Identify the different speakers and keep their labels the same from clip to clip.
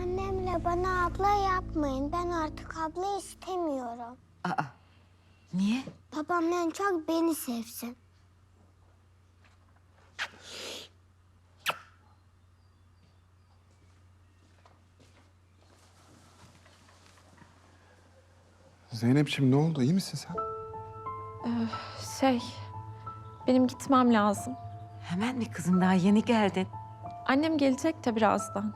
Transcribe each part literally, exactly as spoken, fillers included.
Speaker 1: Annemle bana abla yapmayın. Ben artık abla istemiyorum.
Speaker 2: Aa, niye?
Speaker 1: Babam en çok beni sevsin.
Speaker 3: Zeynep'ciğim ne oldu? İyi misin sen?
Speaker 4: Şey, benim gitmem lazım.
Speaker 2: Hemen mi kızım, daha yeni geldin?
Speaker 4: Annem gelecek de birazdan.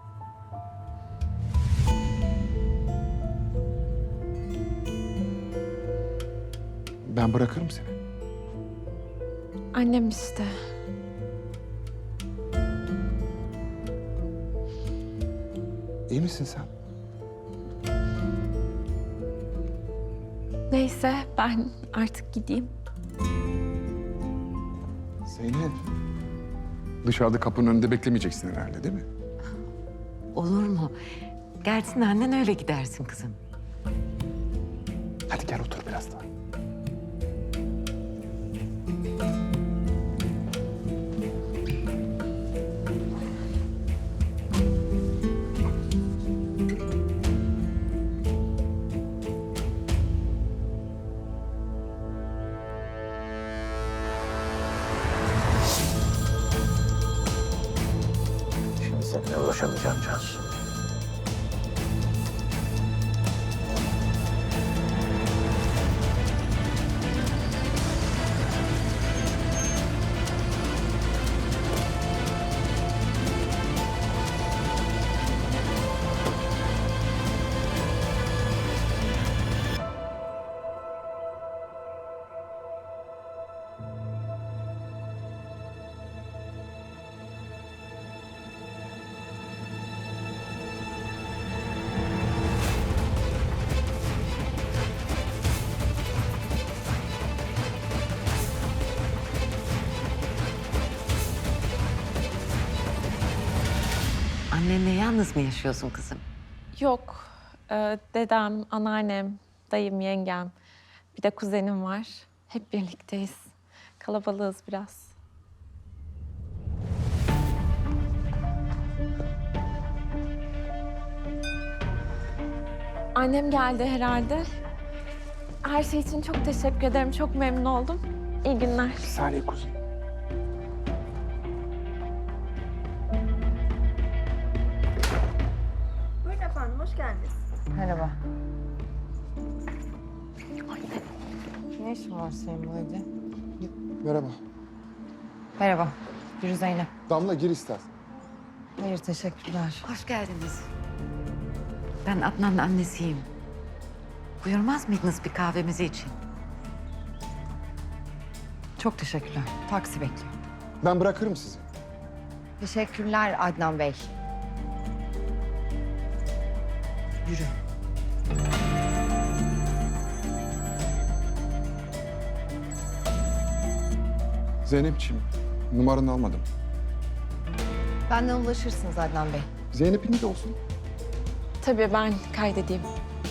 Speaker 3: Ben bırakırım seni.
Speaker 4: Annem işte.
Speaker 3: İyi misin sen?
Speaker 4: Neyse, ben artık gideyim.
Speaker 3: Zeynep. Dışarıda kapının önünde beklemeyeceksin herhalde değil mi?
Speaker 2: Olur mu? Gelsin annen, öyle gidersin kızım.
Speaker 3: Hadi gel otur biraz daha.
Speaker 5: Şimdi seninle ulaşamayacağım Cansu.
Speaker 2: Annenle yalnız mı yaşıyorsun kızım?
Speaker 4: Yok, e, dedem, anneannem, dayım, yengem, bir de kuzenim var. Hep birlikteyiz. Kalabalığız biraz. Annem geldi herhalde. Her şey için çok teşekkür ederim. Çok memnun oldum. İyi günler.
Speaker 3: Bir saniye kuzum.
Speaker 6: Buyurun efendim, hoş geldiniz.
Speaker 7: Merhaba. Ne işin var senin bu evde?
Speaker 3: Merhaba.
Speaker 7: Merhaba. Yürü Zeynep.
Speaker 3: Damla gir istersen.
Speaker 7: Hayır, teşekkürler.
Speaker 2: Hoş geldiniz. Ben Adnan'ın annesiyim. Buyurmaz mıydınız bir kahvemizi için?
Speaker 7: Çok teşekkürler. Taksi bekliyor.
Speaker 3: Ben bırakırım sizi.
Speaker 7: Teşekkürler Adnan Bey. Yürü.
Speaker 3: Zeynep'ciğim numaranı almadım.
Speaker 7: Benden ulaşırsınız Adnan Bey.
Speaker 3: Zeynep'in de olsun.
Speaker 4: Tabii ben kaydedeyim.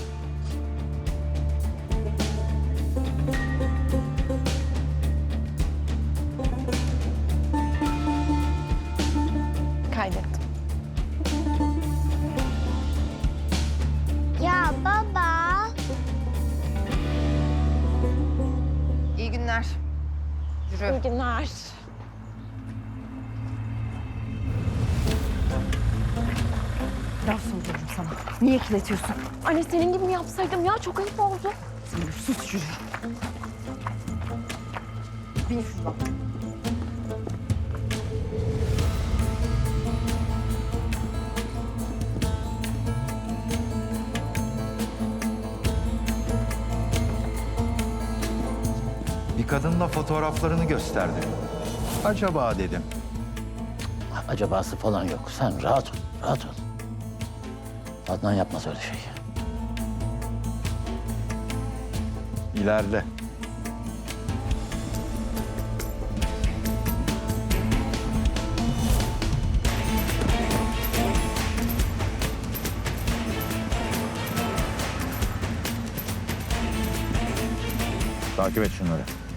Speaker 4: Kaydettim.
Speaker 1: Ya baba.
Speaker 7: İyi günler. Yürü.
Speaker 4: İyi günler.
Speaker 7: Laf soruyorum sana. Niye kirletiyorsun?
Speaker 4: Anne senin gibi mi yapsaydım ya? Çok ayıp oldu.
Speaker 7: Zeynep sus, yürü. Bin şuradan.
Speaker 8: Bir kadınla fotoğraflarını gösterdi. Acaba dedim.
Speaker 5: Acabası falan yok. Sen rahat ol, rahat ol. Adnan yapmaz öyle şey.
Speaker 8: İleride. Takip et şunları.